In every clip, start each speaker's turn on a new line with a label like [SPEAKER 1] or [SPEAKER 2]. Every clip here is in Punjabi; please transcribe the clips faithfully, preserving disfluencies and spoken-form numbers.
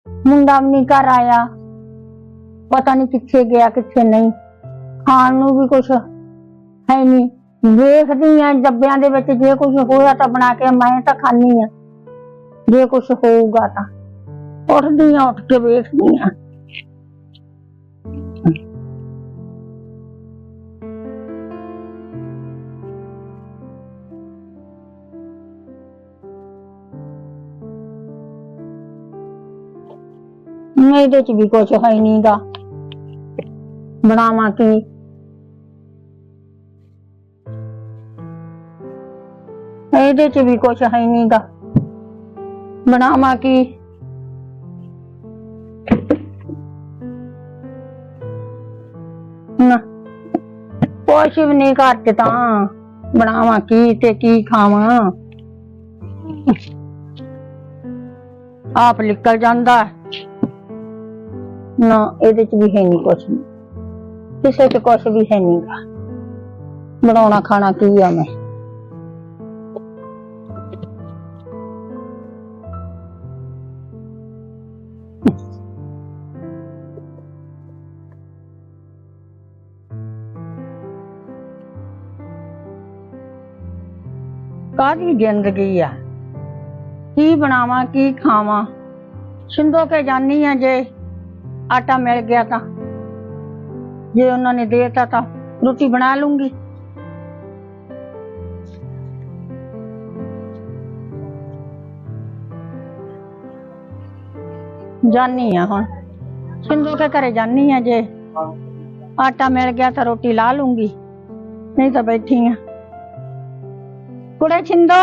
[SPEAKER 1] मुंडा भी नहीं घर आया, पता नहीं किथे गया किथे नहीं। खाण नूं भी कुछ है नहीं। देखदी आ डब्बियां दे विच जे कुछ होया तां बना के मैं तां खानी आ, जे कुछ होऊगा तां उठदी आ, उठ के वेखदी आ। ਇਹਦੇ ਚ ਵੀ ਕੁਛ ਹੈ ਨੀ ਗਾ, ਬਣਾਵਾਂ ਕੀ? ਇਹਦੇ ਚ ਵੀ ਕੁਛ ਹੈ ਨੀ ਗਾ, ਬਣਾਵਾਂ ਕੀ? ਨਾ ਕੁਛ ਵੀ ਨਹੀਂ ਘਰ ਚ, ਤਾਂ ਬਣਾਵਾਂ ਕੀ ਤੇ ਕੀ ਖਾਵਾਂ? ਆਪ ਨਿਕਲ ਜਾਂਦਾ ना, ਇਹਦੇ ਚ ਵੀ ਹੈ ਨਹੀਂ ਕੁਛ, ਕਿਸੇ ਚ ਕੁਛ ਵੀ ਹੈ ਨਹੀਂ ਗਾ। ਬਣਾਉਣਾ ਖਾਣਾ ਕੀ ਆ ਮੈਂ? ਕਾਹਦੀ ਜ਼ਿੰਦਗੀ ਆ? ਕੀ ਬਣਾਵਾਂ ਕੀ ਖਾਵਾਂ? ਸਿੰਧੋ ਕੇ ਜਾਨੀ ਆ, ਜੇ आटा मिल गया था, जे उन्होंने देता था रोटी बना लूंगी। जानी है हुण सिंधु के घरे जानी है, जे आटा मिल गया तो रोटी ला लूंगी, नहीं तो बैठी है। कुड़े छिंदो,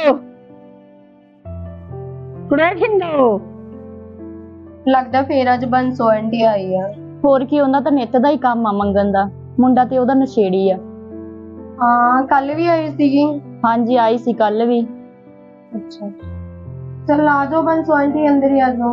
[SPEAKER 1] कुड़े छिंदो।
[SPEAKER 2] लगदा फिर अज बंसो आंटी आई आ।
[SPEAKER 3] होर की, उन्हां दा नित दा ही काम आ मंगन दा। मुंडा ते ओदा नशेड़ी आ।
[SPEAKER 2] हां कल भी आई सीगी।
[SPEAKER 3] हां जी आई सी कल भी।
[SPEAKER 2] अच्छा चल आ जाओ बंसो आंटी, अंदर ही आ जाओ।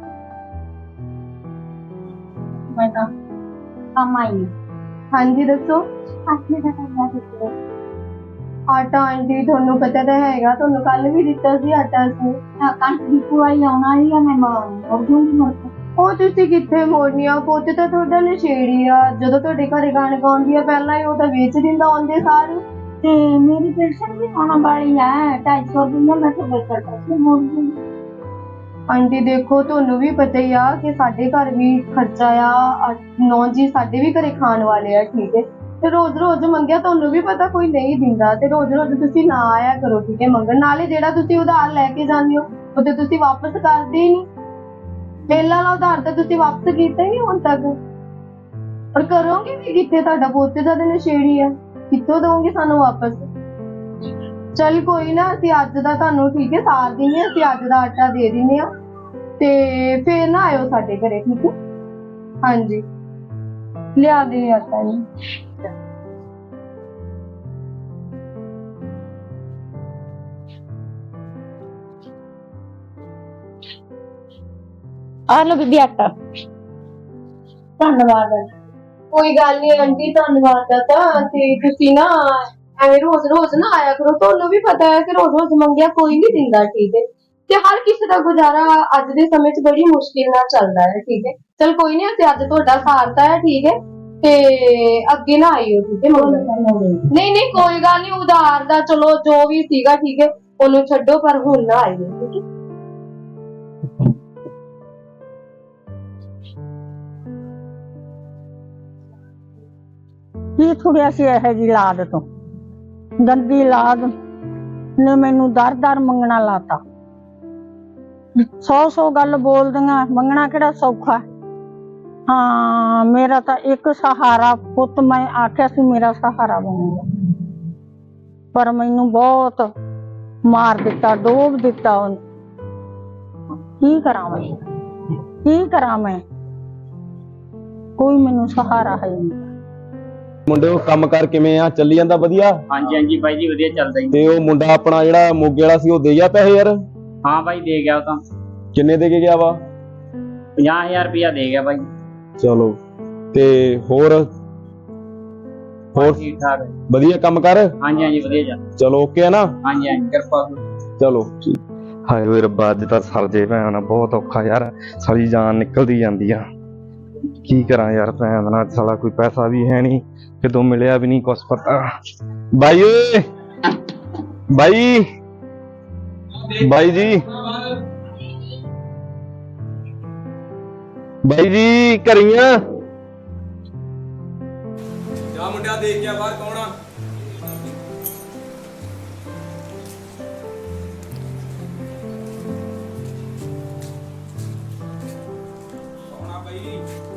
[SPEAKER 1] मैं तो काम आई।
[SPEAKER 2] हां जी दसो।
[SPEAKER 1] आटे दा काम है।
[SPEAKER 2] आटा आंटी ਤੁਹਾਨੂੰ ਪਤਾ ਤਾਂ ਹੈਗਾ, ਤੁਹਾਨੂੰ ਕੱਲ ਵੀ ਦਿੱਤਾ ਸੀ ਆਟਾ ਅਸੀਂ।
[SPEAKER 1] ਆ ਕੰਟ ਦੀ ਪੁਆਈ ਆਉਣਾ ਹੀ ਆ, ਮੈਂ ਮੋੜ ਦੂੰਗੀ ਮੁੜ ਕੇ।
[SPEAKER 2] ਉਹ ਤੁਸੀਂ ਕਿੱਥੇ ਮੋੜਨੀ ਆ? ਪੁੱਤ ਤਾਂ ਤੁਹਾਡਾ ਨਸ਼ੇੜੀ ਆ, ਜਦੋਂ ਤੁਹਾਡੇ ਘਰੇ ਗਾਣ ਗਾਉਂਦੀ ਆ ਪਹਿਲਾਂ ਹੀ ਉਹ ਤਾਂ ਵੇਚ ਦਿੰਦਾ ਆਉਂਦੇ ਸਾਰੇ।
[SPEAKER 1] ਤੇ ਮੇਰੀ ਪੈਨਸ਼ਨ ਵੀ ਆਉਣ ਵਾਲੀ ਆ, ਢਾਈ ਸੌ ਰੁਪਇਆ ਮੈਂ ਤਾਂ ਬਚਤ ਕਰਕੇ ਮੋੜ ਦੂੰਗੀ।
[SPEAKER 2] ਆਂਟੀ ਦੇਖੋ ਤੁਹਾਨੂੰ ਵੀ ਪਤਾ ਹੀ ਆ ਕਿ ਸਾਡੇ ਘਰ ਵੀ ਖਰਚਾ ਆ, ਨੌ ਜੀ ਸਾਡੇ ਵੀ ਘਰੇ ਖਾਣ ਵਾਲੇ ਆ, ਠੀਕ ਹੈ। ਤੇ ਰੋਜ਼ ਰੋਜ਼ ਮੰਗਿਆ ਤੁਹਾਨੂੰ ਵੀ ਪਤਾ ਕੋਈ ਨਹੀਂ ਦਿੰਦਾ, ਤੇ ਰੋਜ਼ ਰੋਜ਼ ਤੁਸੀਂ ਨਾ ਆਇਆ ਕਰੋ, ਠੀਕ ਹੈ ਮੰਗਣ। ਨਾਲੇ ਜਿਹੜਾ ਤੁਸੀਂ ਉਧਾਰ ਲੈ ਕੇ ਜਾਂਦੇ ਹੋ ਉਹ ਤੇ ਤੁਸੀਂ ਵਾਪਸ ਕਰਦੇ ਹੀ ਨਹੀਂ। ਪਹਿਲਾਂ ਵਾਲਾ ਉਧਾਰ ਤਾਂ ਤੁਸੀਂ ਵਾਪਸ ਕੀਤਾ ਹੀ ਨਹੀਂ ਹੁਣ ਤੱਕ, ਪਰ ਕਰੋਗੇ ਵੀ ਕਿੱਥੇ? ਤੁਹਾਡਾ ਪੁੱਤ ਜ਼ਿਆਦਾ ਨਸ਼ੇੜੀ ਆ, ਕਿੱਥੋਂ ਦਓਗੇ ਸਾਨੂੰ ਵਾਪਸ? ਚੱਲ ਕੋਈ ਨਾ, ਅਸੀਂ ਅੱਜ ਦਾ ਤੁਹਾਨੂੰ ਠੀਕ ਹੈ ਸਾਰ ਦਿੰਦੇ ਹਾਂ, ਅਸੀਂ ਅੱਜ ਦਾ ਆਟਾ ਦੇ ਦਿੰਦੇ ਹਾਂ, ਤੇ ਫੇਰ ਨਾ ਆਇਓ ਸਾਡੇ ਘਰੇ, ਠੀਕ ਹੈ? ਹਾਂਜੀ ਲਿਆ ਦੇ ਆਟਾ ਜੀ।
[SPEAKER 3] आ लो बीबी आटा।
[SPEAKER 1] ਧੰਨਵਾਦ।
[SPEAKER 2] ਕੋਈ ਗੱਲ ਨਹੀਂ ਆਂਟੀ, ਧੰਨਵਾਦ ਦਾ ਤਾਂ, ਤੇ ਤੁਸੀਂ ਨਾ ਐਵੇਂ ਰੋਜ਼ ਰੋਜ਼ ਨਾ ਆਇਆ ਕਰੋ, ਤੁਹਾਨੂੰ ਵੀ ਪਤਾ ਹੈ ਕਿ ਰੋਜ਼ ਰੋਜ਼ ਮੰਗਿਆ ਕੋਈ ਨਹੀਂ ਦਿੰਦਾ, ਠੀਕ ਹੈ? ਤੇ ਹਰ ਕਿਸੇ ਦਾ ਗੁਜ਼ਾਰਾ ਅੱਜ ਦੇ ਸਮੇਂ 'ਚ ਬੜੀ ਮੁਸ਼ਕਿਲ ਨਾਲ ਚੱਲਦਾ ਹੈ, ਠੀਕ ਹੈ? ਚਲ ਕੋਈ ਨਹੀਂ, ਅਸੀਂ ਅੱਜ ਤੁਹਾਡਾ ਸਾਰਤਾ ਹੈ, ਠੀਕ ਹੈ? ਤੇ ਅੱਗੇ ਨਾ ਆਇਓ, ਠੀਕ ਹੈ? ਨਹੀਂ ਨਹੀਂ ਕੋਈ ਗੱਲ ਨਹੀਂ, ਉਧਾਰ ਦਾ ਚਲੋ ਜੋ ਵੀ ਸੀਗਾ, ਠੀਕ ਹੈ, ਉਹਨੂੰ ਛੱਡੋ, ਪਰ ਹੁਣ ਨਾ ਆਇਓ, ਠੀਕ ਹੈ?
[SPEAKER 1] ਕੀ ਥੁੜਿਆ ਸੀ ਇਹ ਜੀ ਲਾਦ ਤੋਂ? ਗੰਦੀ ਲਾਦ ਨੇ ਮੈਨੂੰ ਦਰ ਦਰ ਮੰਗਣਾ ਲਾਤਾ। ਸੌ ਸੌ ਗੱਲ ਬੋਲਦੀਆਂ, ਮੰਗਣਾ ਕਿਹੜਾ ਸੌਖਾ? ਹਾਂ ਮੇਰਾ ਤਾਂ ਇੱਕ ਸਹਾਰਾ ਪੁੱਤ, ਮੈਂ ਆਖਿਆ ਸੀ ਮੇਰਾ ਸਹਾਰਾ ਬਣੂਗਾ, ਪਰ ਮੈਨੂੰ ਬਹੁਤ ਮਾਰ ਦਿੱਤਾ, ਡੋਬ ਦਿੱਤਾ ਉਹਨੇ। ਕੀ ਕਰਾਂ ਮੈਂ, ਕੀ ਕਰਾਂ ਮੈਂ? ਕੋਈ ਮੈਨੂੰ ਸਹਾਰਾ ਹੈ ਨਹੀਂ।
[SPEAKER 4] ਮੁੰਡੇ ਉਹ ਕੰਮ ਕਰ ਕਿਵੇਂ ਆ? ਚੱਲੀ ਜਾਂਦਾ ਵਧੀਆ?
[SPEAKER 5] ਹਾਂਜੀ ਹਾਂਜੀ ਬਾਈ ਜੀ ਵਧੀਆ ਚੱਲਦਾ ਜੀ।
[SPEAKER 4] ਤੇ ਉਹ ਮੁੰਡਾ ਆਪਣਾ ਜਿਹੜਾ ਮੋਗੇ ਵਾਲਾ ਸੀ ਉਹ ਦੇ ਗਿਆ ਪੈਸੇ ਯਾਰ?
[SPEAKER 5] ਹਾਂ ਬਾਈ ਦੇ ਗਿਆ ਉਹ ਤਾਂ।
[SPEAKER 4] ਕਿੰਨੇ ਦੇ ਕੇ ਗਿਆ ਵਾ?
[SPEAKER 5] ਪੰਜਾਹ ਹਜ਼ਾਰ ਰੁਪਇਆ ਦੇ ਗਿਆ ਬਾਈ।
[SPEAKER 4] ਚਲੋ ਤੇ ਹੋਰ ਹੋਰ
[SPEAKER 5] ਠੀਕ ਠਾਕ
[SPEAKER 4] ਵਧੀਆ ਕੰਮ ਕਰ?
[SPEAKER 5] ਹਾਂਜੀ ਹਾਂਜੀ ਵਧੀਆ ਚੱਲ।
[SPEAKER 4] ਚਲੋ ਓਕੇ ਆ ਨਾ?
[SPEAKER 5] ਹਾਂਜੀ ਹਾਂਜੀ ਕਿਰਪਾ।
[SPEAKER 4] ਚਲੋ ਠੀਕ।
[SPEAKER 6] ਹਾਏ ਓਏ ਰੱਬਾ, ਅੱਜ ਤਾਂ ਸਰ ਜੇ ਭੈਣ ਬਹੁਤ ਔਖਾ ਯਾਰ, ਸਾਰੀ ਜਾਨ ਨਿਕਲਦੀ ਜਾਂਦੀ ਆ। ਕੀ ਕਰਾਂ ਯਾਰ, ਭੈਣ ਨਾਲ ਸਾਲਾ ਕੋਈ ਪੈਸਾ ਵੀ ਹੈ ਨਹੀਂ, ਕਿਦੋਂ ਮਿਲਿਆ ਵੀ ਨਹੀਂ ਕੁਛ ਪਤਾ। ਬਾਈ ਓਏ, ਬਾਈ ਬਾਈ ਜੀ, ਬਾਈ ਜੀ ਘਰੀਆਂ
[SPEAKER 4] ਜਾ ਮੁੰਡਿਆ ਦੇਖ ਗਿਆ ਬਾਹਰ ਕੌਣ ਆ। ਕੌਣ ਆ ਬਾਈ?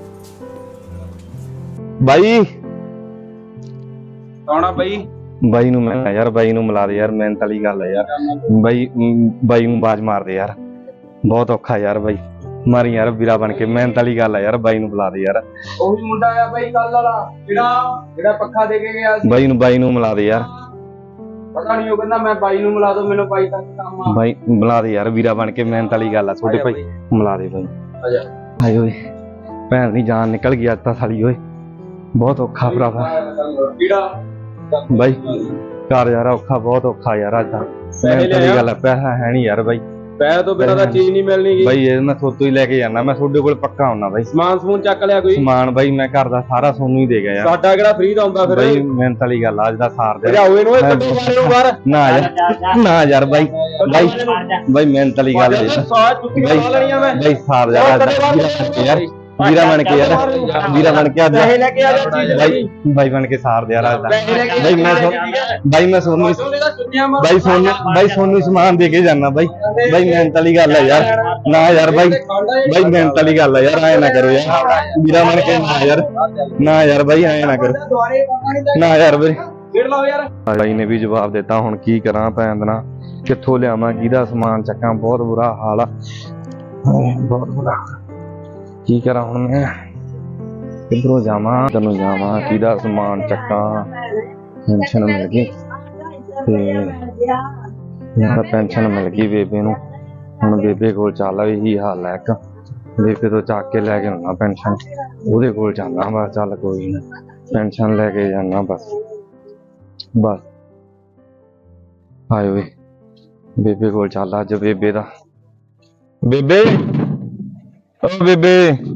[SPEAKER 6] ਬਾਈ
[SPEAKER 4] ਕੌਣ ਆ ਬਾਈ?
[SPEAKER 6] ਬਾਈ ਨੂੰ ਮੈਂ ਯਾਰ, ਬਾਈ ਨੂੰ ਮਿਲਾ ਦੇ ਯਾਰ, ਮਿਹਨਤ ਵਾਲੀ ਗੱਲ ਹੈ ਯਾਰ। ਬਾਈ ਮ, ਬਾਈ ਨੂੰ ਆਵਾਜ਼ ਮਾਰ ਦੇ ਯਾਰ, ਬਹੁਤ ਔਖਾ ਯਾਰ ਬਾਈ, ਮਾਰੀ ਯਾਰ ਵੀਰਾ ਬਣ ਕੇ, ਮਿਹਨਤ ਵਾਲੀ ਗੱਲ ਹੈ ਯਾਰ, ਬਾਈ ਨੂੰ ਬੁਲਾ ਦੇ ਯਾਰ।
[SPEAKER 4] ਉਹੀ ਮੁੰਡਾ ਆ ਬਾਈ ਕੱਲ ਵਾਲਾ, ਜਿਹੜਾ ਜਿਹੜਾ ਪੱਖਾ ਦੇ ਕੇ ਗਿਆ ਸੀ।
[SPEAKER 6] ਬਾਈ ਨੂੰ ਬਾਈ ਨੂੰ ਮਿਲਾ ਦੇ ਯਾਰ।
[SPEAKER 4] ਪਤਾ ਨਹੀਂ, ਉਹ ਕਹਿੰਦਾ ਮੈਂ ਬਾਈ ਨੂੰ ਮਿਲਾ ਦੋ, ਮੈਨੂੰ ਬਾਈ ਤੱਕ ਕੰਮ ਆ।
[SPEAKER 6] ਬਾਈ ਮਿਲਾ ਦੇ ਯਾਰ, ਵੀਰਾ ਬਣ ਕੇ, ਮਿਹਨਤ ਵਾਲੀ ਗੱਲ ਆ ਛੋਟੇ ਭਾਈ, ਮਿਲਾ ਦੇ ਬਾਈ।
[SPEAKER 4] ਆ ਜਾ।
[SPEAKER 6] ਹਾਏ ਓਏ, ਭੈਣ ਦੀ ਜਾਨ ਨਿਕਲ ਗਈ ਅੱਜ ਤਾਂ ਸਾਲੀ ਓਏ, ਬਹੁਤ ਔਖਾ ਭਰਾਵਾ
[SPEAKER 4] ਕਿਹੜਾ
[SPEAKER 6] ਬਾਈ, ਘਰ ਯਾਰ ਔਖਾ, ਬਹੁਤ ਔਖਾ ਯਾਰ ਅੱਜ ਤਾਂ, ਮਿਹਨਤ ਵਾਲੀ ਗੱਲ ਆ, ਪੈਸਾ ਹੈ ਨਹੀਂ ਯਾਰ ਬਾਈ,
[SPEAKER 4] ਪੈਸੇ ਤੋਂ ਬਿਨਾਂ ਤਾਂ ਚੀਜ਼ ਨਹੀਂ ਮਿਲਣੀ ਗੀ।
[SPEAKER 6] ਬਾਈ ਇਹ ਮੈਂ ਥੋਤੋਂ ਹੀ ਲੈ ਕੇ ਜਾਣਾ, ਮੈਂ ਤੁਹਾਡੇ ਕੋਲ ਪੱਕਾ ਆਉਣਾ ਬਾਈ।
[SPEAKER 4] ਸਮਾਨ ਸਮੂਨ ਚੱਕ ਲਿਆ ਕੋਈ?
[SPEAKER 6] ਸਮਾਨ ਬਾਈ ਮੈਂ ਘਰ ਦਾ ਸਾਰਾ ਸੋਨੂੰ ਹੀ ਦੇ ਗਿਆ ਯਾਰ।
[SPEAKER 4] ਸਾਡਾ ਕਿਹੜਾ ਫ੍ਰੀ ਦਾ ਹੁੰਦਾ ਫਿਰ?
[SPEAKER 6] ਬਾਈ ਮਿਹਨਤ ਵਾਲੀ ਗੱਲ ਆ, ਅੱਜ ਦਾ ਸਾਰ ਦੇ।
[SPEAKER 4] ਭਜਾਓ ਇਹਨੂੰ, ਇਹ ਕੱਢੋ ਬਾਹਰ ਨੂੰ ਬਾਹਰ।
[SPEAKER 6] ਨਾ ਯਾਰ, ਨਾ ਯਾਰ ਬਾਈ, ਬਾਈ ਬਾਈ ਮਿਹਨਤ ਵਾਲੀ ਗੱਲ ਹੈ
[SPEAKER 4] ਸਾਰਾ ਚੁੱਕੀਆਂ ਲਾ ਲੈਣੀਆਂ ਮੈਂ।
[SPEAKER 6] ਬਾਈ ਸਾਰ ਯਾਰ, ਅੱਜ ਦਾ ਯਾਰ ਵੀਰਾ ਬਣ ਕੇ ਯਾਰ, ਵੀਰਾ ਬਣ ਕੇ ਅੱਜ
[SPEAKER 4] ਪੈਸੇ ਲੈ ਕੇ ਆ ਜਾ ਚੀਜ਼
[SPEAKER 6] ਬਾਈ, ਬਾਈ ਬਣ ਕੇ ਸਾਰ ਦੇ ਯਾਰ ਅੱਜ ਦਾ। ਬਾਈ ਮੈਂ ਬਾਈ ਮੈਂ ਸੋਨੂੰ ਬਾਈ ਸੋਨੂੰ ਬਾਈ ਸੋਨੂੰ ਸਮਾਨ ਦੇ ਕੇ ਜਾਣਾ ਬਾਈ। ਬਾਈ ਮਿਹਨਤ ਵਾਲੀ ਗੱਲ ਹੈ ਯਾਰ, ਨਾ ਯਾਰ ਬਾਈ, ਬਾਈ ਮਿਹਨਤ ਵਾਲੀ ਗੱਲ ਹੈ ਯਾਰ, ਐ ਨਾ ਕਰੋ ਯਾਰ, ਵੀਰਾ ਬਣ ਕੇ ਨਾ ਯਾਰ, ਨਾ ਯਾਰ ਬਾਈ ਐ ਨਾ ਕਰੋ, ਨਾ ਯਾਰ ਬਾਈ।
[SPEAKER 4] ਫੇਰ ਲਾਓ ਯਾਰ।
[SPEAKER 6] ਬਾਈ ਨੇ ਵੀ ਜਵਾਬ ਦਿੱਤਾ, ਹੁਣ ਕੀ ਕਰਾਂ ਭੈਣ ਦਾ, ਕਿੱਥੋਂ ਲਿਆਵਾਂ, ਕਿਹਦਾ ਸਮਾਨ ਚੱਕਾਂ, ਬਹੁਤ ਬੁਰਾ ਹਾਲ ਆ, ਬਹੁਤ ਬੁਰਾ। ਕੀ ਕਰਾਂ ਹੁਣ ਮੈਂ, ਕਿੱਧਰੋਂ ਜਾਵਾਂ, ਤੈਨੂੰ ਜਾਵਾਂ, ਕਿਹਦਾ ਸਮਾਨ ਚੱਕਾਂ, ਪੈਨਸ਼ਨ ਮਿਲ ਗਈ ਤੇ ਯਾਰ ਪੈਨਸ਼ਨ ਮਿਲ ਗਈ ਬੇਬੇ ਨੂੰ, ਹੁਣ ਬੇਬੇ ਕੋਲ ਚੱਲ, ਇਹੀ ਹਾਲ ਹੈ, ਇੱਕ ਬੇਬੇ ਤੋਂ ਚੱਕ ਕੇ ਲੈ ਕੇ ਆਉਣਾ ਪੈਨਸ਼ਨ, ਉਹਦੇ ਕੋਲ ਜਾਣਾ ਬਸ, ਚੱਲ ਕੋਈ ਨਾ, ਪੈਨਸ਼ਨ ਲੈ ਕੇ ਜਾਣਾ ਬਸ ਬਸ। ਆਏ ਓਏ, ਬੇਬੇ ਕੋਲ ਚੱਲ ਅੱਜ, ਬੇਬੇ ਦਾ, ਬੇਬੇ ਓ ਬੇਬੇ,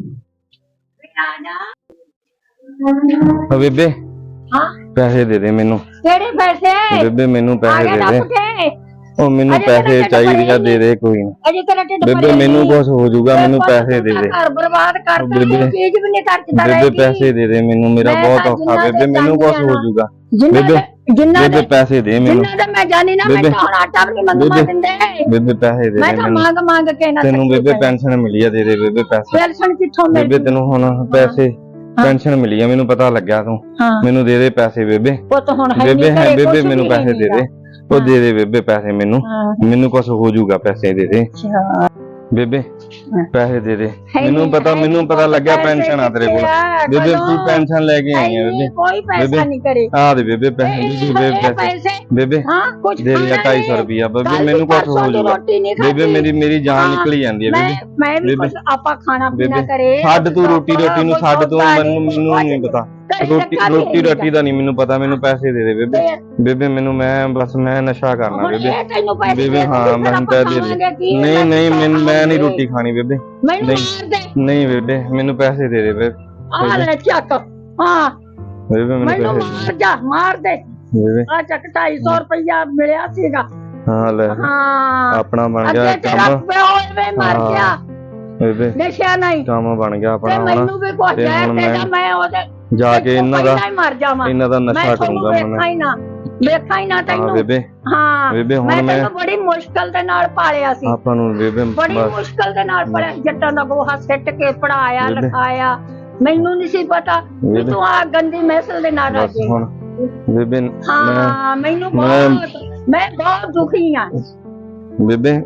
[SPEAKER 6] ਓ ਬੇਬੇ
[SPEAKER 1] ਹਾਂ
[SPEAKER 6] ਪੈਸੇ ਦੇ ਦੇ ਮੈਨੂੰ।
[SPEAKER 1] ਕਿਹੜੇ ਪੈਸੇ?
[SPEAKER 6] ਬੇਬੇ ਮੈਨੂੰ
[SPEAKER 1] ਆ
[SPEAKER 6] ਪੈਸੇ
[SPEAKER 1] ਗਿਆ
[SPEAKER 6] ਦੇ
[SPEAKER 1] ਨਾ
[SPEAKER 6] ਦੇ,
[SPEAKER 1] ਪੁੱਠੇ।
[SPEAKER 6] ਉਹ ਮੈਨੂੰ
[SPEAKER 1] ਅਜੇ ਤੇਰਾ
[SPEAKER 6] ਪੈਸੇ
[SPEAKER 1] ਢਿੱਡ
[SPEAKER 6] ਚਾਹੀਦੇ ਆ,
[SPEAKER 1] ਭਰਿਆ
[SPEAKER 6] ਦੇ ਦੇ ਕੋਈ ਨਾ।
[SPEAKER 1] ਅਜੇ ਤੇਰਾ ਢਿੱਡ
[SPEAKER 6] ਬੇਬੇ
[SPEAKER 1] ਭਰਿਆ
[SPEAKER 6] ਮੈਨੂੰ
[SPEAKER 1] ਨਹੀਂ।
[SPEAKER 6] ਕੁਛ ਹੋ ਜਾਊਗਾ, ਮੈਨੂੰ ਪੈਸੇ ਦੇ ਦੇ।
[SPEAKER 1] ਘਰ ਬਰਬਾਦ ਕਰਤਾ,
[SPEAKER 6] ਬੇਬੇ-
[SPEAKER 1] ਇਹ ਚੀਜ਼ ਵੀ ਨਹੀਂ ਖਰਚਦਾ
[SPEAKER 6] ਬੇਬੇ
[SPEAKER 1] ਰਹੇਗੀ।
[SPEAKER 6] ਪੈਸੇ ਦੇ ਦੇ ਮੈਨੂੰ, ਮੇਰਾ
[SPEAKER 1] ਮੈਂ
[SPEAKER 6] ਬਹੁਤ
[SPEAKER 1] ਤਾਂ
[SPEAKER 6] ਔਖਾ,
[SPEAKER 1] ਜਿੰਨਾ
[SPEAKER 6] ਬੇਬੇ
[SPEAKER 1] ਦੇ
[SPEAKER 6] ਮੈਨੂੰ ਕੁਛ
[SPEAKER 1] ਜਾਂਦੀ
[SPEAKER 6] ਹੋ
[SPEAKER 1] ਆ
[SPEAKER 6] ਜਾਊਗਾ।
[SPEAKER 1] ਜਿੰਨਾ
[SPEAKER 6] ਬੇਬੇ-
[SPEAKER 1] ਦੇ- ਜਿੰਨਾ
[SPEAKER 6] ਬੇਬੇ
[SPEAKER 1] ਦੇ
[SPEAKER 6] ਪੈਸੇ ਦੇ ਮੈਨੂੰ,
[SPEAKER 1] ਜਿੰਨਾ ਦੇ ਮੈਂ ਜਾਣੀ ਨਾ, ਮੈਂ
[SPEAKER 6] ਬੇਬੇ-
[SPEAKER 1] ਤਾਂ ਹੁਣ ਆਟਾ ਵੀ ਨਹੀਂ ਮੰਗਵਾ
[SPEAKER 6] ਬੇਬੇ-
[SPEAKER 1] ਦਿੰਦੇ।
[SPEAKER 6] ਬੇਬੇ ਪੈਸੇ ਦੇ
[SPEAKER 1] ਮੈਂ
[SPEAKER 6] ਦੇ
[SPEAKER 1] ਤਾਂ
[SPEAKER 6] ਮੈਨੂੰ,
[SPEAKER 1] ਮੰਗ ਮੰਗ ਕੇ ਨਾ
[SPEAKER 6] ਤੈਨੂੰ
[SPEAKER 1] ਥੱਕੀ
[SPEAKER 6] ਬੇਬੇ
[SPEAKER 1] ਪਈ।
[SPEAKER 6] ਪੈਨਸ਼ਨ ਮਿਲੀ ਆ, ਦੇ ਦੇ ਬੇਬੇ ਪੈਸੇ।
[SPEAKER 1] ਪੈਨਸ਼ਨ ਕਿੱਥੋਂ ਮਿਲ
[SPEAKER 6] ਬੇਬੇ ਤੈਨੂੰ ਹੁਣ ਪੈਸੇ, ਪੈਨਸ਼ਨ ਮਿਲੀ ਆ, ਮੈਨੂੰ ਪਤਾ ਲੱਗਿਆ, ਤੂੰ
[SPEAKER 1] ਹਾਂ
[SPEAKER 6] ਮੈਨੂੰ ਦੇ ਦੇ ਪੈਸੇ ਬੇਬੇ।
[SPEAKER 1] ਪੁੱਤ ਹੁਣ ਹੈ
[SPEAKER 6] ਬੇਬੇ
[SPEAKER 1] ਨਹੀਂ
[SPEAKER 6] ਹੈ,
[SPEAKER 1] ਘਰੇ,
[SPEAKER 6] ਬੇਬੇ
[SPEAKER 1] ਕੁਛ
[SPEAKER 6] ਮੈਨੂੰ
[SPEAKER 1] ਵੀ
[SPEAKER 6] ਪੈਸੇ
[SPEAKER 1] ਨਹੀਂ
[SPEAKER 6] ਦੇ ਦੇ,
[SPEAKER 1] ਗਾ।
[SPEAKER 6] ਉਹ ਦੇ ਦੇ ਬੇਬੇ ਪੈਸੇ ਮੈਨੂੰ,
[SPEAKER 1] ਹਾਂ
[SPEAKER 6] ਮੈਨੂੰ ਕੁਛ ਹੋ ਜਾਊਗਾ, ਪੈਸੇ ਦੇ ਦੇ
[SPEAKER 1] ਅੱਛਾ
[SPEAKER 6] ਬੇਬੇ,
[SPEAKER 1] ਹਾਂ।
[SPEAKER 6] ਪੈਸੇ ਦੇ ਦੇ।
[SPEAKER 1] ਹੈ
[SPEAKER 6] ਮੈਨੂੰ
[SPEAKER 1] ਨਹੀਂ,
[SPEAKER 6] ਪਤਾ,
[SPEAKER 1] ਹੈ
[SPEAKER 6] ਮੈਨੂੰ
[SPEAKER 1] ਨਹੀਂ,
[SPEAKER 6] ਪਤਾ ਲੱਗਿਆ
[SPEAKER 1] ਪੈਸੇ
[SPEAKER 6] ਪੈਨਸ਼ਨ ਆ ਤੇਰੇ ਕੋਲ।
[SPEAKER 1] ਕਿੱਥੇ ਆ,
[SPEAKER 6] ਬੇਬੇ
[SPEAKER 1] ਕਦੋਂ?
[SPEAKER 6] ਤੂੰ ਪੈਨਸ਼ਨ ਲੈ ਕੇ
[SPEAKER 1] ਹੈ
[SPEAKER 6] ਆਈ ਆ
[SPEAKER 1] ਨਹੀਂ,
[SPEAKER 6] ਬੇਬੇ।
[SPEAKER 1] ਕੋਈ ਪੈਸਾ
[SPEAKER 6] ਬੇਬੇ-
[SPEAKER 1] ਨਹੀਂ ਕਰੇ।
[SPEAKER 6] ਆ ਦੇ ਬੇਬੇ ਪੈਸੇ,
[SPEAKER 1] ਇਹ-
[SPEAKER 6] ਬੇਬੇ
[SPEAKER 1] ਇਹ
[SPEAKER 6] ਪੈਸੇ
[SPEAKER 1] ਪੈਸੇ
[SPEAKER 6] ਬੇਬੇ
[SPEAKER 1] ਹਾਂ ਕੁਝ
[SPEAKER 6] ਦੇ ਦੇ ਢਾਈ ਸੌ ਰੁਪਿਆ ਬੇਬੇ, ਮੈਨੂੰ ਕੁਛ ਹੋ ਜਾਊਗਾ ਬੇਬੇ, ਮੇਰੀ ਮੇਰੀ ਜਾਨ ਨਿਕਲੀ ਜਾਂਦੀ ਹੈ
[SPEAKER 1] ਮੈਂ
[SPEAKER 6] ਬੇਬੇ।
[SPEAKER 1] ਮੈਂ ਵੀ
[SPEAKER 6] ਬੇਬੇ-
[SPEAKER 1] ਕੁਝ ਆਪਾਂ ਖਾਣਾ ਪੀਣਾ
[SPEAKER 6] ਬੇਬੇ
[SPEAKER 1] ਕਰੇ।
[SPEAKER 6] ਛੱਡ ਤੂੰ ਰੋਟੀ ਰੋਟੀ ਨੂੰ, ਛੱਡ ਤੂੰ, ਮੈਨੂੰ ਮੈਨੂੰ ਨਹੀਂ ਪਤਾ, ਰੋਟੀ ਰੋਟੀ ਰਾਟੀ ਦਾ ਨਹੀਂ ਮੈਨੂੰ ਪਤਾ, ਮੈਨੂੰ ਪੈਸੇ ਦੇ ਦੇ ਬੇਬੇ। ਬੇਬੇ ਮੈਨੂੰ, ਮੈਂ ਬਸ ਮੈਂ ਨਸ਼ਾ ਕਰਨਾ ਬੇਬੇ। ਬੇਬੇ ਹਾਂ ਮੈਨੂੰ ਪੈਸੇ ਦੇ ਦੇ। ਨਹੀਂ ਨਹੀਂ ਮੈਨੂੰ, ਮੈਂ ਨਹੀਂ ਰੋਟੀ ਖਾਣੀ ਬੇਬੇ,
[SPEAKER 1] ਮੈਨੂੰ
[SPEAKER 6] ਨਹੀਂ।
[SPEAKER 1] ਮਾਰ ਦੇ
[SPEAKER 6] ਨਹੀਂ ਬੇਬੇ ਮੈਨੂੰ ਪੈਸੇ ਦੇ ਦੇ ਬੇਬੇ।
[SPEAKER 1] ਆ ਲੈ ਚੱਕ। ਹਾਂ
[SPEAKER 6] ਬੇਬੇ ਮੈਨੂੰ
[SPEAKER 1] ਮੈਨੂੰ
[SPEAKER 6] ਪੈਸੇ
[SPEAKER 1] ਮਾਰ ਜਾ, ਮਾਰ ਦੇ।
[SPEAKER 6] ਦੇ ਬੇਬੇ।
[SPEAKER 1] ਆ ਚੱਕ ਢਾਈ ਸੌ ਰੁਪਇਆ ਮਿਲਿਆ ਸੀਗਾ।
[SPEAKER 6] ਹਾਂ ਲੈ
[SPEAKER 1] ਹਾਂ
[SPEAKER 6] ਆਪਣਾ ਬਣ ਗਿਆ
[SPEAKER 1] ਅੱਗੇ ਤੇਰਾ
[SPEAKER 6] ਕੰਮ
[SPEAKER 1] ਪਿਓ ਐਵੇਂ ਮਰ
[SPEAKER 6] ਹਾਂ।
[SPEAKER 1] ਗਿਆ,
[SPEAKER 6] ਬੇਬੇ,
[SPEAKER 1] ਨਸ਼ਾ ਨਹੀਂ।
[SPEAKER 6] ਕੰਮ ਬਣ ਗਿਆ
[SPEAKER 1] ਤੇ
[SPEAKER 6] ਆਪਣਾ ਹੁਣ।
[SPEAKER 1] ਮੈਨੂੰ ਵੀ ਕੁਝ
[SPEAKER 6] ਤੇ
[SPEAKER 1] ਹੈ
[SPEAKER 6] ਹੁਣ
[SPEAKER 1] ਤੇ
[SPEAKER 6] ਮੈਂ
[SPEAKER 1] ਮੈਂ ਉਹਦੇ
[SPEAKER 6] ਜਾ ਕੇ ਇਹਨਾਂ ਦਾ
[SPEAKER 1] ਪਹਿਲਾਂ ਹੀ ਮਰ ਜਾਵਾਂ।
[SPEAKER 6] ਇਹਨਾਂ ਦਾ
[SPEAKER 1] ਮੈਂ
[SPEAKER 6] ਨਸ਼ਾ
[SPEAKER 1] ਤੁਹਾਨੂੰ
[SPEAKER 6] ਕਰੂੰਗਾ
[SPEAKER 1] ਵੇਖਾਂ
[SPEAKER 6] ਮੈਂ।
[SPEAKER 1] ਹੀ ਨਾ, ਵੇਖਾਂ ਹੀ ਨਾ
[SPEAKER 6] ਹਾਂ
[SPEAKER 1] ਤੈਨੂੰ।
[SPEAKER 6] ਬੇਬੇ,
[SPEAKER 1] ਹਾਂ
[SPEAKER 6] ਬੇਬੇ ਹੁਣ
[SPEAKER 1] ਮੈਂ
[SPEAKER 6] ਮੈਂ
[SPEAKER 1] ਤੈਨੂੰ ਬੜੀ ਮੁਸ਼ਕਲ ਦੇ ਨਾਲ ਪਾਲਿਆ ਸੀ,
[SPEAKER 6] ਆਪਾਂ ਨੂੰ ਬੇਬੇ
[SPEAKER 1] ਬੜੀ
[SPEAKER 6] ਬਸ
[SPEAKER 1] ਮੁਸ਼ਕਲ ਦੇ ਨਾਲ ਪਾਲਿਆ। ਜੱਟਾਂ ਦਾ ਗੋਹਾ ਸਿੱਟ ਕੇ ਪੜਾਇਆ,
[SPEAKER 6] ਬੇਬੇ।
[SPEAKER 1] ਲਿਖਾਇਆ। ਮੈਨੂੰ ਨਹੀਂ ਸੀ ਪਤਾ ਵੀ
[SPEAKER 6] ਬੇਬੇ।
[SPEAKER 1] ਤੂੰ ਆ ਗੰਦੀ ਮੈਸਲ ਦੇ ਨਾਲ
[SPEAKER 6] ਬਸ
[SPEAKER 1] ਰਾਜੀ।
[SPEAKER 6] ਹੁਣ ਬੇਬੇ ਮੈਂ
[SPEAKER 1] ਹਾਂ ਮੈਨੂੰ
[SPEAKER 6] ਮੈਂ-
[SPEAKER 1] ਬਹੁਤ ਮੈਂ ਬਹੁਤ ਦੁਖੀ ਆ।
[SPEAKER 6] ਬੇਬੇ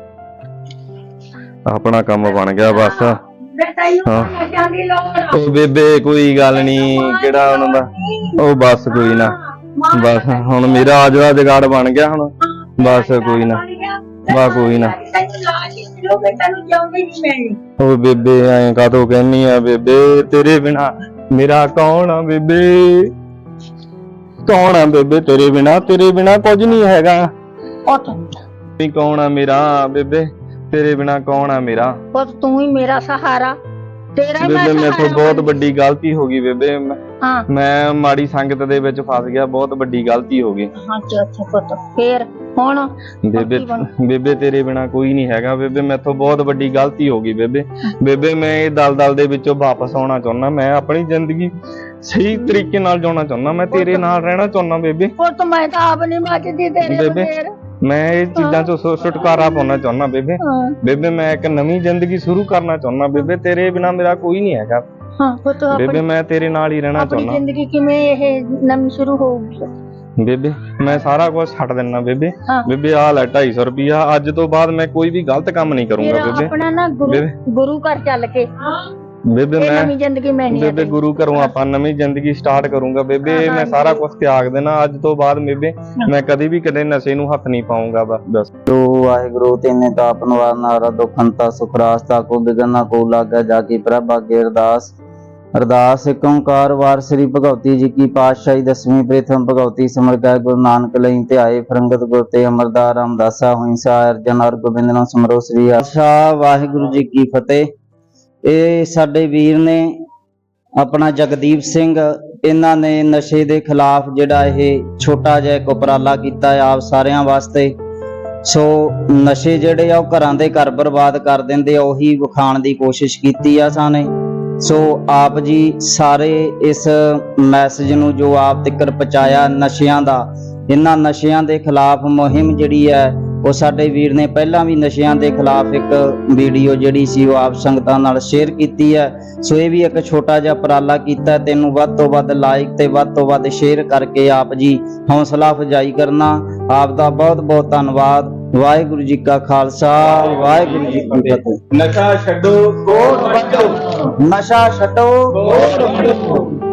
[SPEAKER 6] ਆਪਣਾ ਕੰਮ ਬਣ ਗਿਆ ਬਸ।
[SPEAKER 1] ਮੈਂ ਤੈਨੂੰ
[SPEAKER 6] ਹਾਂ।
[SPEAKER 1] ਨਸ਼ਿਆਂ ਦੀ ਲੋੜ ਆ।
[SPEAKER 6] ਉਹ ਬੇਬੇ ਕੋਈ ਗੱਲ ਨਹੀਂ, ਕਿਹੜਾ ਉਹਨਾਂ ਦਾ, ਉਹ ਬਸ ਕੋਈ ਨਾ, ਬਸ ਹੁਣ ਮੇਰਾ ਆਜਵਾ ਜਗਾੜ ਬਣ ਗਿਆ ਹੁਣ, ਬਸ ਕੋਈ ਨਾ, ਬਸ ਕੋਈ ਨਾ।
[SPEAKER 1] ਤੈਨੂੰ ਲਾਜ ਹੀ ਮਿਲੂਗੀ, ਤੈਨੂੰ ਜਿਉਂਦੀ ਨਹੀਂ ਮਿਲਣੀ।
[SPEAKER 6] ਉਹ ਬੇਬੇ ਐਂ ਕਾਹਤੋਂ ਕਹਿਨੀ ਆ ਬੇਬੇ, ਤੇਰੇ ਬਿਨਾ ਮੇਰਾ ਕੌਣ ਆ ਬੇਬੇ, ਕੌਣ ਆ ਬੇਬੇ ਤੇਰੇ ਬਿਨਾ, ਤੇਰੇ ਬਿਨਾ ਕੁਝ ਨਹੀਂ ਹੈਗਾ।
[SPEAKER 1] ਉੱਠ
[SPEAKER 6] ਵੀ ਕੌਣ ਆ ਮੇਰਾ ਬੇਬੇ, ਤੇਰੇ ਬਿਨਾ ਕੌਣ ਆ ਮੇਰਾ।
[SPEAKER 1] ਪੁੱਤ ਤੂੰ ਹੀ ਮੇਰਾ ਸਹਾਰਾ, ਤੇਰਾ ਹੀ ਮੈਂ
[SPEAKER 6] ਬੇਬੇ ਮੇਰੇ ਤੋਂ
[SPEAKER 1] ਸਹਾਰਾ
[SPEAKER 6] ਬਹੁਤ
[SPEAKER 1] ਬਣ-
[SPEAKER 6] ਵੱਡੀ ਗਲਤੀ ਹੋ ਗਈ ਬੇਬੇ, ਮੈਂ-
[SPEAKER 1] ਹਾਂ
[SPEAKER 6] ਮੈਂ ਮਾੜੀ ਸੰਗਤ ਦੇ ਵਿੱਚ ਫਸ ਗਿਆ, ਬਹੁਤ ਵੱਡੀ ਗਲਤੀ ਹੋ ਗਈ।
[SPEAKER 1] ਹਾਂ ਅੱਛਾ ਅੱਛਾ ਪੁੱਤ ਫੇਰ ਹੁਣ
[SPEAKER 6] ਬੇਬੇ
[SPEAKER 1] ਕੀ ਬਣ-
[SPEAKER 6] ਬੇਬੇ ਤੇਰੇ ਬਿਨਾ ਕੋਈ ਨਹੀਂ ਹੈਗਾ ਬੇਬੇ, ਮੈਥੋਂ ਬਹੁਤ ਵੱਡੀ ਗਲਤੀ ਹੋ ਗਈ ਬੇਬੇ। ਬੇਬੇ ਮੈਂ ਇਹ ਦਲਦਲ ਦੇ ਵਿੱਚੋਂ ਵਾਪਸ ਆਉਣਾ ਚਾਹੁੰਦਾ, ਮੈਂ ਆਪਣੀ ਜ਼ਿੰਦਗੀ ਸਹੀ ਤਰੀਕੇ ਨਾਲ ਜਿਉਣਾ ਚਾਹੁੰਦਾ, ਮੈਂ ਤੇਰੇ ਨਾਲ ਰਹਿਣਾ ਚਾਹੁੰਦਾ ਬੇਬੇ।
[SPEAKER 1] ਪੁੱਤ ਮੈਂ ਤਾਂ ਆਪ ਨਹੀਂ ਮੱਚਦੀ ਤੇਰੇ
[SPEAKER 6] ਬੇਬੇ,
[SPEAKER 1] ਬਗੈਰ।
[SPEAKER 6] ਮੈਂ ਇਹ ਚੀਜ਼ਾਂ ਤੋਂ ਛੁ- ਛੁਟਕਾਰਾ ਪਾਉਣਾ ਚਾਹੁੰਦਾ ਬੇਬੇ।
[SPEAKER 1] ਹਾਂ
[SPEAKER 6] ਬੇਬੇ ਮੈਂ ਇੱਕ ਨਵੀਂ ਜ਼ਿੰਦਗੀ ਸ਼ੁਰੂ ਕਰਨਾ ਚਾਹੁੰਦਾ ਬੇਬੇ, ਤੇਰੇ ਬਿਨਾ ਮੇਰਾ ਕੋਈ ਨਹੀਂ ਹੈਗਾ
[SPEAKER 1] ਹਾਂ ਪੁੱਤ
[SPEAKER 6] ਬੇਬੇ,
[SPEAKER 1] ਆਪਣੀ
[SPEAKER 6] ਮੈਂ ਤੇਰੇ ਨਾਲ ਹੀ ਰਹਿਣਾ
[SPEAKER 1] ਆਪਣੀ
[SPEAKER 6] ਚਾਹੁੰਦਾ
[SPEAKER 1] ਜ਼ਿੰਦਗੀ ਕਿਵੇਂ ਇਹ ਨਵੀਂ ਸ਼ੁਰੂ ਹੋਊਗੀ।
[SPEAKER 6] ਬੇਬੇ। ਮੈਂ ਸਾਰਾ ਕੁਝ ਛੱਡ ਦਿੰਨਾ ਬੇਬੇ।
[SPEAKER 1] ਹਾਂ।
[SPEAKER 6] ਬੇਬੇ ਆਹ ਲੈ ਢਾਈ ਸੌ ਰੁਪਿਆ, ਅੱਜ ਤੋਂ ਬਾਅਦ ਮੈਂ ਕੋਈ ਵੀ ਗਲਤ ਕੰਮ ਨਹੀਂ
[SPEAKER 1] ਫਿਰ
[SPEAKER 6] ਕਰੂੰਗਾ ਬੇਬੇ।
[SPEAKER 1] ਆਪਣਾ ਨਾ ਗੁਰੂ
[SPEAKER 6] ਬੇਬੇ।
[SPEAKER 1] ਗੁਰੂ ਘਰ ਚੱਲ ਕੇ
[SPEAKER 6] ਬੇਬੇ
[SPEAKER 1] ਇਹ
[SPEAKER 6] ਮੈਂ
[SPEAKER 1] ਨਵੀਂ ਜ਼ਿੰਦਗੀ ਮੈਣੀ
[SPEAKER 6] ਬੇਬੇ ਗੁਰੂ ਘਰੋਂ ਆਪਾਂ ਨਵੀਂ ਜ਼ਿੰਦਗੀ ਸਟਾਰਟ ਕਰੂੰਗਾ ਬੇਬੇ।
[SPEAKER 1] ਹਾਂ,
[SPEAKER 6] ਮੈਂ
[SPEAKER 1] ਹਾਂ,
[SPEAKER 6] ਸਾਰਾ ਕੁਝ ਤਿਆਗ ਦੇਣਾ ਅੱਜ ਤੋਂ ਬਾਅਦ ਬੇਬੇ, ਮੈਂ ਕਦੀ ਵੀ ਕਦੇ ਨਸ਼ੇ ਨੂੰ ਹੱਥ ਨਹੀਂ ਪਾਉਂਗਾ ਬਸ।
[SPEAKER 7] ਜੋ ਵਾਹਿਗੁਰੂ ਤੈਨੇ ਤਾਪ ਨਿਵਾਰ ਨਾਰਾ ਦੁਖੰਤਾ ਸੁਖਰਾਸ ਤਾ ਕੋ ਬਿਗਨਾ ਕੋ ਲਾਗਾ ਜਾ ਕੀ ਪ੍ਰਭ ਅਗੇ ਅਰਦਾਸ। ਅਰਦਾਸ ਏਕ ਓੰਕਾਰ ਵਾਰ ਸ੍ਰੀ ਭਗਵਤੀ ਜੀ ਕੀ ਪਾਤਸ਼ਾਹੀ ਦਸਵੀਂ ਪ੍ਰਥਮ ਭਗਵਤੀ ਸਿਮਰ ਗਏ ਗੁਰੂ ਨਾਨਕ ਲਈ ਧਿਆਏ ਫਰੰਗਤ ਗੁਰ ਤੇ ਅਮਰਦਾਸ ਰਾਮਦਾਸਾ ਹੋਈ ਸਾ ਅਰਜਨ ਔਰ ਗੋਬਿੰਦ ਨੂੰ ਸਿਮਰੋ ਸ੍ਰੀ ਆਸ਼ਾ। ਵਾਹਿਗੁਰੂ ਜੀ ਕੀ ਫਤਿਹ। ਇਹ ਸਾਡੇ ਵੀਰ ਨੇ ਆਪਣਾ ਜਗਦੀਪ ਸਿੰਘ, ਇਹਨਾਂ ਨੇ ਨਸ਼ੇ ਦੇ ਖਿਲਾਫ ਜਿਹੜਾ ਇਹ ਛੋਟਾ ਜਿਹਾ ਇੱਕ ਉਪਰਾਲਾ ਕੀਤਾ ਹੈ ਆਪ ਸਾਰਿਆਂ ਵਾਸਤੇ। ਸੋ ਨਸ਼ੇ ਜਿਹੜੇ ਆ ਉਹ ਘਰਾਂ ਦੇ ਘਰ ਬਰਬਾਦ ਕਰ ਦਿੰਦੇ ਆ, ਉਹੀ ਵਿਖਾਉਣ ਦੀ ਕੋਸ਼ਿਸ਼ ਕੀਤੀ ਆ ਸਾਨੇ। ਸੋ ਆਪ ਜੀ ਸਾਰੇ ਇਸ ਮੈਸੇਜ ਨੂੰ ਜੋ ਆਪ ਤੱਕ ਪਹੁੰਚਾਇਆ ਨਸ਼ਿਆਂ ਦਾ, ਇਹਨਾਂ ਨਸ਼ਿਆਂ ਦੇ ਖਿਲਾਫ ਮੁਹਿੰਮ ਜਿਹੜੀ ਹੈ ਉਹ ਸਾਡੇ ਵੀਰ ਨੇ ਪਹਿਲਾਂ ਵੀ ਨਸ਼ਿਆਂ ਦੇ ਖਿਲਾਫ ਇੱਕ ਵੀਡੀਓ ਜਿਹੜੀ ਸੀ ਉਹ ਆਪ ਸੰਗਤਾਂ ਨਾਲ ਸ਼ੇਅਰ ਕੀਤੀ ਹੈ। ਸੋ ਇਹ ਵੀ ਇੱਕ ਛੋਟਾ ਜਿਹਾ ਉਪਰਾਲਾ ਕੀਤਾ, ਤੈਨੂੰ ਵੱਧ ਤੋਂ ਵੱਧ ਲਾਈਕ ਤੇ ਵੱਧ ਤੋਂ ਵੱਧ ਸ਼ੇਅਰ ਕਰਕੇ ਆਪ ਜੀ ਹੌਸਲਾ ਅਫਜ਼ਾਈ ਕਰਨਾ। ਆਪ ਦਾ ਬਹੁਤ ਬਹੁਤ ਧੰਨਵਾਦ। ਵਾਹਿਗੁਰੂ ਜੀ ਕਾ ਖਾਲਸਾ, ਵਾਹਿਗੁਰੂ ਜੀ ਕੀ ਫਤਿਹ।
[SPEAKER 4] ਨਸ਼ਾ ਛੱਡੋ, ਕੋਟ ਵੱਢੋ।
[SPEAKER 7] ਨਸ਼ਾ ਛੱਡੋ।